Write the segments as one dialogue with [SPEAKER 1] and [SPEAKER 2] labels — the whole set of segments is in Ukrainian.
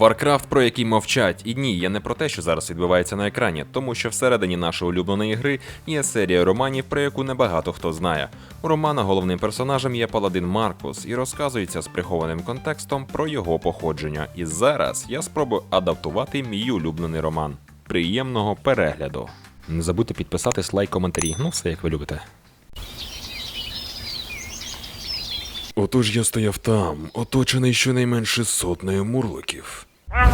[SPEAKER 1] Warcraft, про який мовчать. І ні, я не про те, що зараз відбувається на екрані, тому що всередині нашої улюбленої гри є серія романів, про яку небагато хто знає. У романа головним персонажем є паладин Маркус, і розказується з прихованим контекстом про його походження. І зараз я спробую адаптувати мій улюблений роман. Приємного перегляду. Не забудьте підписатись, лайк, коментарі. Ну все, як ви любите.
[SPEAKER 2] Отож я стояв там, оточений щонайменше сотнею мурликів.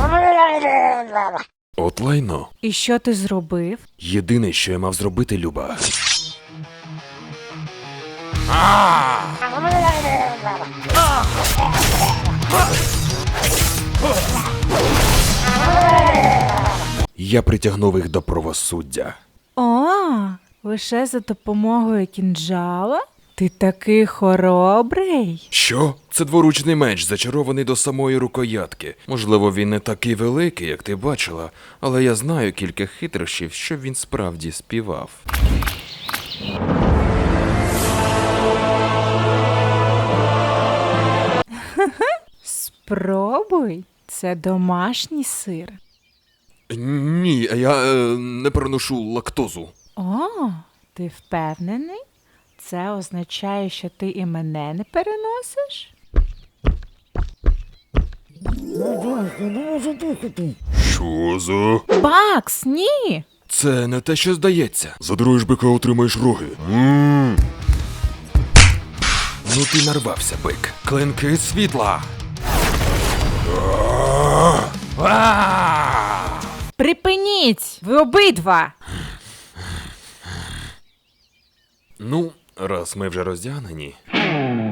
[SPEAKER 2] От лайно.
[SPEAKER 3] І що ти зробив?
[SPEAKER 2] Єдине, що я мав зробити, Люба. Я притягнув їх до правосуддя.
[SPEAKER 3] О, лише за допомогою кінджала? Ти такий хоробрий.
[SPEAKER 2] Що? Це дворучний меч, зачарований до самої рукоятки. Можливо, він не такий великий, як ти бачила, але я знаю кілька хитрощів, щоб він справді співав.
[SPEAKER 3] Спробуй, це домашній сир.
[SPEAKER 2] Ні, я не переношу лактозу.
[SPEAKER 3] О, ти впевнений? Це означає, що ти і мене не переносиш?
[SPEAKER 2] Що за?
[SPEAKER 3] Бакс, ні!
[SPEAKER 2] Це не те, що здається. Задруєш бика, отримаєш роги. Ну ти нарвався, бик. Клинки світла.
[SPEAKER 3] Припиніть! Ви обидва!
[SPEAKER 2] Ну, раз ми вже роздягнені.